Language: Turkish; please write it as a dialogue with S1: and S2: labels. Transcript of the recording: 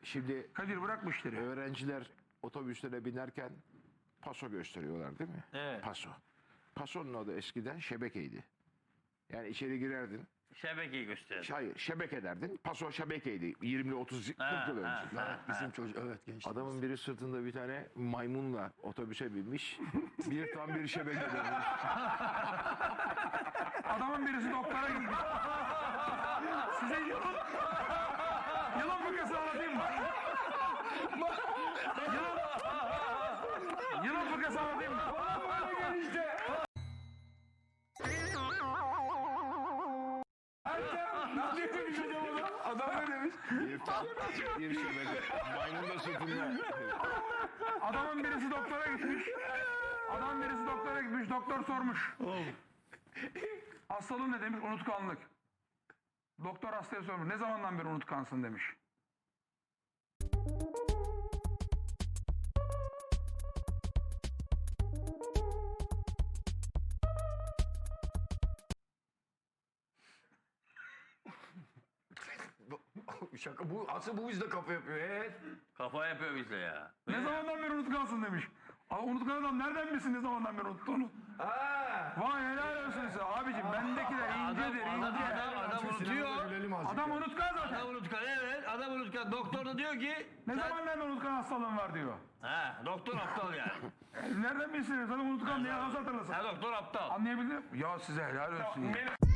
S1: Şimdi
S2: Kadir bırak bu işleri.
S1: öğrenciler otobüslere binerken paso gösteriyorlar değil mi?
S3: Evet.
S1: Paso. Pasonun adı eskiden şebekeydi. Yani içeri girerdin.
S3: Şebekeyi göster.
S1: Hayır, şebeke derdin. Paso şebekeydi. 20 30 40 yıl önce.
S4: Bizim çocuk evet genç.
S1: Adamın biri sırtında bir tane maymunla otobüse binmiş. Bir tam bir şebeke dönmüş.
S2: Adamın birisi doktora gitmiş. Size yılan fıkrası anlatayım mı? Yılan fıkrası anlatayım mı?
S4: Adam ne demiş?
S1: Bir tam bir şebeke. Maymun da sırtında.
S2: Adamın birisi doktora gitmiş. Doktor sormuş. Hastalığın ne demiş? Unutkanlık. Doktor hastaya sormuş. Ne zamandan beri unutkansın demiş.
S4: Şaka bu asıl bu bizde kafa yapıyor. Evet.
S3: Kafa yapıyor bize ya.
S2: Ne zamandan beri unutkansın demiş. Ama unutkan adam nereden bilsin ne zamandan beri unuttuğunu? Vay helal olsun size. Abicim bendekiler incedir ince.
S3: Adam unutuyor.
S4: Gülelim azıcık.
S2: Adam unutkan zaten.
S3: Adam unutkan, evet. Adam unutkan. Doktor da diyor ki...
S2: Ne zamandan beri unutkan hastalığın var diyor.
S3: Doktor aptal yani.
S2: Nereden bilsin? Sana unutkan diye nasıl hatırlasın?
S3: Doktor aptal.
S2: Anlayabildin mi? Ya size helal olsun. Ya.